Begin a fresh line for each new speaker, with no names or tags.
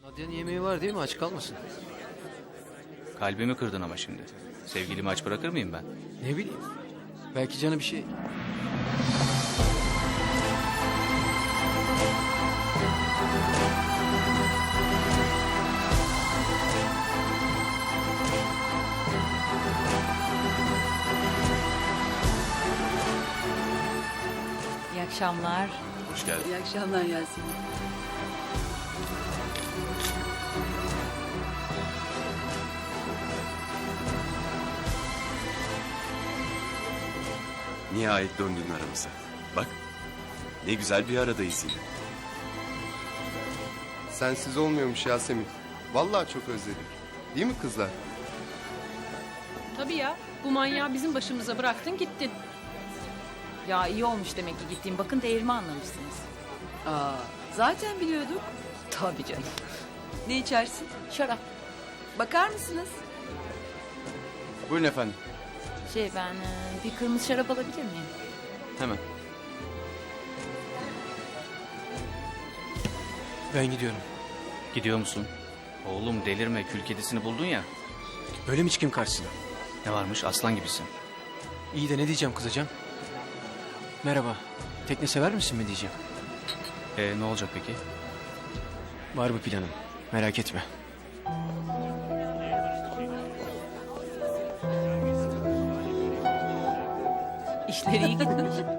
Nadia'nın yemeği var değil mi? Aç kalmasın.
Kalbimi kırdın ama şimdi. Sevgilimi aç bırakır mıyım ben?
Ne bileyim. Belki canı bir şey...
İyi akşamlar.
Hoş geldin.
İyi akşamlar Yasemin.
Nihayet döndün aramıza. Bak, ne güzel bir aradayız yine.
Sensiz olmuyormuş Yasemin. Vallahi çok özledik. Değil mi kızlar?
Tabii ya. Bu manyağı bizim başımıza bıraktın gittin.
Ya iyi olmuş demek ki gittiğim. Bakın değerimi anlamışsınız.
Aa, zaten biliyorduk.
Tabii canım.
Ne içersin?
Şarap.
Bakar mısınız?
Buyurun efendim.
Ben bir kırmızı şarap alabilir miyim?
Hemen. Ben gidiyorum.
Gidiyor musun? Oğlum delirme, kül kedisini buldun ya.
Öyle mi çıkayım karşısına?
Ne varmış, aslan gibisin.
İyi de ne diyeceğim kızacağım? Merhaba. Tekne sever misin mi diyeceğim.
Ne olacak peki?
Var bir planım. Merak etme.
İşleri iyi gitmiş.